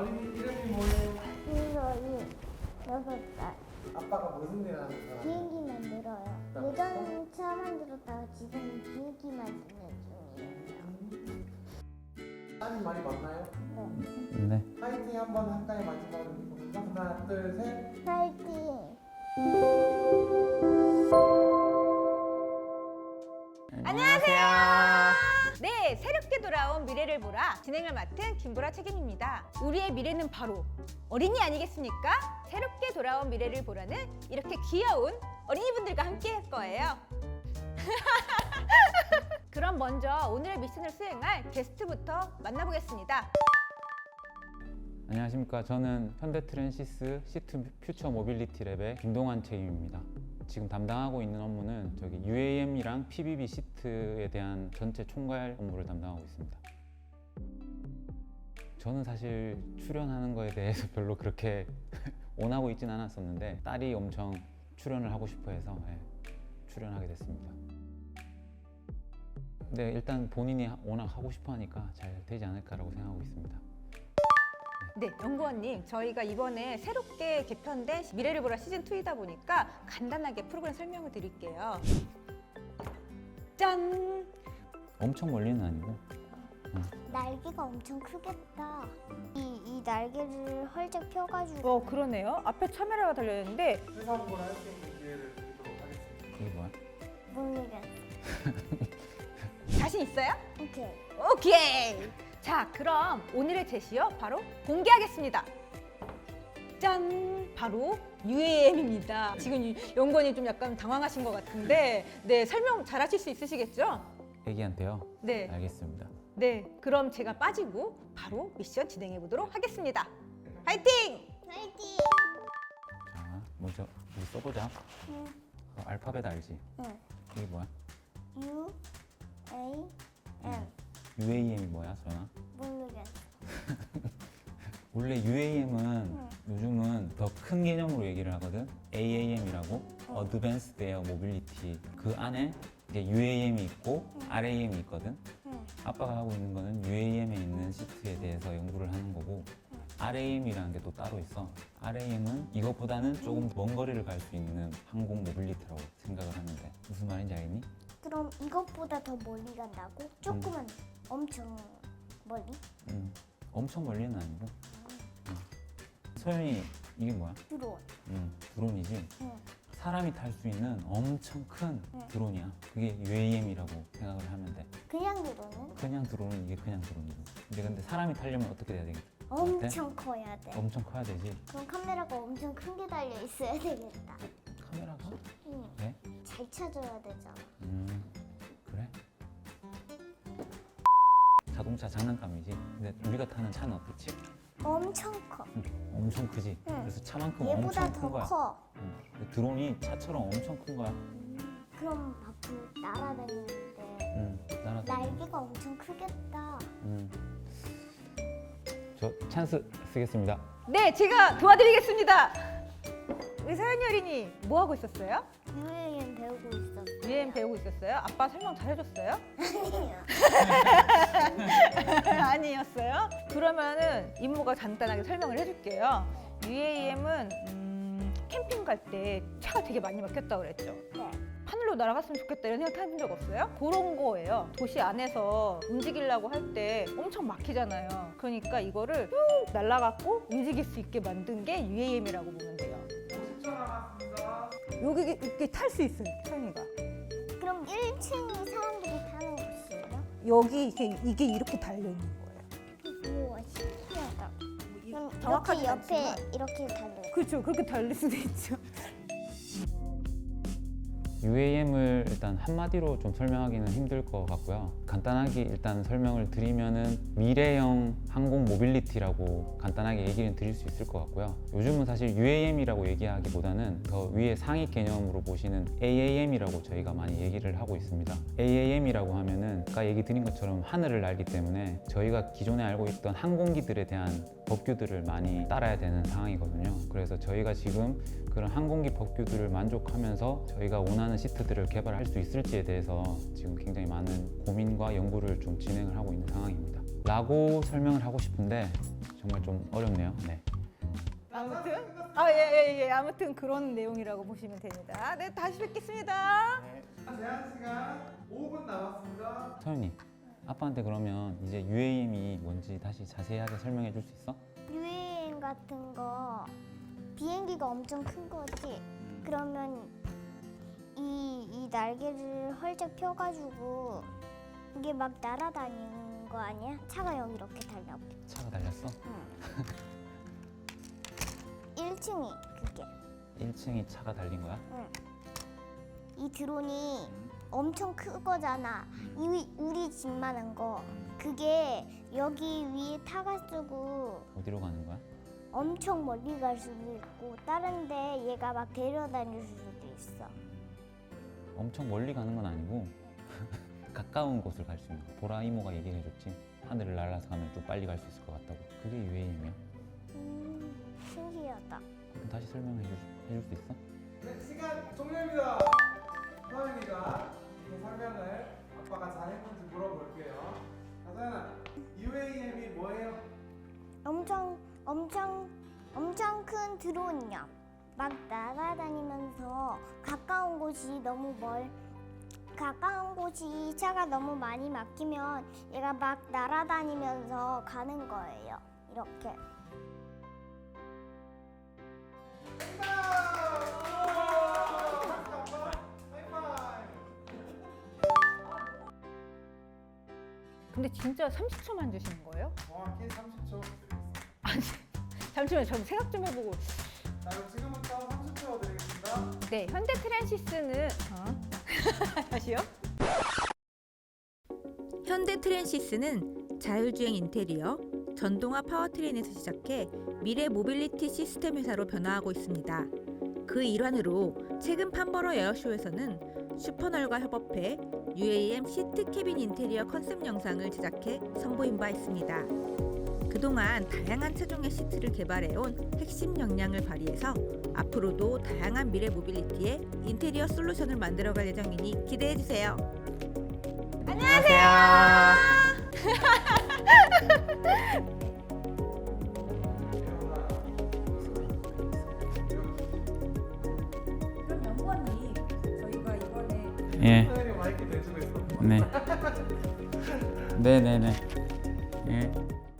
어린이 이름이 뭐예요? 민서이 6살. 아빠가 무슨 일 하는 사람? 비행기 만들어요. 예전에는 차 만들었다가 지금은 비행기 만드는 중이에요. 따님 많이 만나요? 네. 네. 파이팅 한번 할까요? 마지막으로 보면서 하나 둘 셋. 파이팅! 안녕하세요. 네, 새롭게 돌아온 미래를 보라 진행을 맡은 김보라 책임입니다. 우리의 미래는 바로 어린이 아니겠습니까? 새롭게 돌아온 미래를 보라는 이렇게 귀여운 어린이분들과 함께 할 거예요. 그럼 먼저 오늘의 미션을 수행할 게스트부터 만나보겠습니다. 안녕하십니까. 저는 현대트랜시스 시트 퓨처 모빌리티 랩의 김동환 책임입니다. 지금 담당하고 있는 업무는 저기 UAM이랑 PBB 시트에 대한 전체 총괄 업무를 담당하고 있습니다. 저는 사실 출연하는 거에 대해서 별로 그렇게 원하고 있진 않았었는데 딸이 엄청 출연을 하고 싶어 해서 출연하게 됐습니다. 근데 일단 본인이 워낙 하고 싶어 하니까 잘 되지 않을까라고 생각하고 있습니다. 네, 연구원님, 저희가 이번에 새롭게 개편된 미래를 보라 시즌2이다 보니까 간단하게 프로그램 설명을 드릴게요. 짠! 엄청 멀리는 아니고 날개가 엄청 크겠다. 이 날개를 활짝 펴가지고 그러네요. 앞에 카메라가 달려있는데 해상고를 할 수 있는 기회를 드리도록 하겠습니다. 이게 뭐야? 모르겠어. 자신 있어요? 오케이. 오케이! 자, 그럼 오늘의 제시어 바로 공개하겠습니다. 짠! 바로 UAM입니다. 지금 연구원이 좀 약간 당황하신 것 같은데 네, 설명 잘 하실 수 있으시겠죠? 애기한테요? 네. 알겠습니다. 네, 그럼 제가 빠지고 바로 미션 진행해 보도록 하겠습니다. 화이팅! 파이팅! 자, 먼저 우리 써보자. 응. 알파벳 알지? 응. 이게 뭐야? U A M. UAM이 뭐야, 소연아? 모르겠어. 원래 UAM은 요즘은 더 큰 개념으로 얘기를 하거든. AAM이라고 Advanced Air Mobility. 그 안에 이제 UAM이 있고 RAM이 있거든. 응. 아빠가 하고 있는 거는 UAM에 있는 시트에 대해서 연구를 하는 거고 RAM이라는 게 또 따로 있어. RAM은 이것보다는 조금 먼 거리를 갈 수 있는 항공 모빌리티라고 생각을 하는데 무슨 말인지 알겠니? 그럼 이것보다 더 멀리 간다고? 조금만 엄청 멀리? 엄청 멀리는 아니고. 소연이 이게 뭐야? 드론. 드론이지. 응. 사람이 탈 수 있는 엄청 큰 드론이야. 그게 UAM이라고 생각을 하면 돼. 그냥 드론은 그냥 드론은 이게 그냥 드론이고. 근데 사람이 타려면 어떻게 돼야 되겠어? 엄청 커야 돼. 엄청 커야 되지. 그럼 카메라가 엄청 큰 게 달려 있어야 되겠다. 카메라가? 응. 네? 잘 찾아야 되잖아. 그래? 자동차 장난감이지. 근데 우리가 타는 차는 어떻지? 엄청 커. 엄청 크지. 응. 그래서 차만큼 얘보다 엄청 큰 더 거야. 커. 근데 드론이 차처럼 엄청 큰 거야. 그럼 앞으로 날아다니는데 날아다니는. 날개가 엄청 크겠다. 저 찬스 쓰겠습니다. 네, 제가 도와드리겠습니다. 우리 서연이 어린이 뭐 하고 있었어요? UAM 배우고 있었어. UAM 배우고 있었어요? 아빠 설명 잘 해줬어요? 아니야. 아니었어요? 그러면은 이모가 간단하게 설명을 해줄게요. UAM은 캠핑 갈 때 차가 되게 많이 막혔다고 그랬죠? 네. 하늘로 날아갔으면 좋겠다 이런 생각 해본 적 없어요? 그런 거예요. 도시 안에서 움직이려고 할 때 엄청 막히잖아요. 그러니까 이거를 쭉 날아가고 움직일 수 있게 만든 게 UAM이라고 보면 돼요. 50초 남았습니다. 여기 이렇게 탈 수 있어요, 서연이가. 그럼 1층이 사람들이 타는 곳이에요? 여기 이게 이렇게 달려 있는 거예요. 우와 신기하다. 그럼 정확하진 이렇게 옆에 않지만. 이렇게 달려. 그렇죠, 그렇게 달릴 수도 있죠. UAM을 일단 한마디로 좀 설명하기는 힘들 것 같고요. 간단하게 일단 설명을 드리면은 미래형 항공 모빌리티라고 간단하게 얘기는 드릴 수 있을 것 같고요. 요즘은 사실 UAM이라고 얘기하기보다는 더 위에 상위 개념으로 보시는 AAM이라고 저희가 많이 얘기를 하고 있습니다. AAM이라고 하면은 아까 얘기 드린 것처럼 하늘을 날기 때문에 저희가 기존에 알고 있던 항공기들에 대한 법규들을 많이 따라야 되는 상황이거든요. 그래서 저희가 지금 그런 항공기 법규들을 만족하면서 저희가 원하는 시트들을 개발할 수 있을지에 대해서 지금 굉장히 많은 고민과 연구를 좀 진행을 하고 있는 상황입니다. 라고 설명을 하고 싶은데 정말 좀 어렵네요. 네. 아무튼 예. 아무튼 그런 내용이라고 보시면 됩니다. 네, 다시 뵙겠습니다. 제한 시간 5분 남았습니다. 서윤이, 아빠한테 그러면 이제 UAM이 뭔지 다시 자세하게 설명해 줄 수 있어? UAM 같은 거 비행기가 엄청 큰 거지. 그러면 이 날개를 활짝 펴가지고 이게 막 날아다니는 거 아니야? 차가 여기 이렇게 달려. 차가 달렸어? 1층이 그게. 1층이 차가 달린 거야? 이 드론이 엄청 크거잖아. 우리 집만한 거. 그게 여기 위에 타가지고 어디로 가는 거야? 엄청 멀리 갈 수도 있고 다른 데 얘가 막 데려다닐 수도 있어. 엄청 멀리 가는 건 아니고 가까운 곳을 갈 수 있는 거. 보라 이모가 얘기해 줬지. 하늘을 날아서 가면 좀 빨리 갈 수 있을 것 같다고. 그게 UAM이야. 신기하다. 그럼 다시 설명해 줄 수 있어? 네, 시간 종료입니다. 서연이가 그 설명을 아빠가 잘했는지 물어볼게요. 자, 서연아, UAM이 뭐예요? 엄청 큰 드론이야. 막 날아다니면서 가까운 곳이 차가 너무 많이 막히면 얘가 막 날아다니면서 가는 거예요. 이렇게. 근데 진짜 30초만 주시는 거예요? 정확히 30초 드리겠습니다. 잠시만요. 저 생각 좀 해보고. 자, 그럼 지금부터 30초 드리겠습니다. 네, 현대 트랜시스는 다시요? 현대 트랜시스는 자율주행 인테리어, 전동화 파워트레인에서 시작해 미래 모빌리티 시스템 회사로 변화하고 있습니다. 그 일환으로 최근 판버러 에어쇼에서는 슈퍼널과 협업해 UAM 시트 캐빈 인테리어 컨셉 영상을 제작해 선보인 바 있습니다. 그동안 다양한 체중의 시트를 개발해온 핵심 역량을 발휘해서 앞으로도 다양한 미래 모빌리티의 인테리어 솔루션을 만들어갈 예정이니 기대해주세요. 그럼 연구원님, 저희가 이번에 예. 서연이 마이크 내주고 있어. 네. 네네네. 예.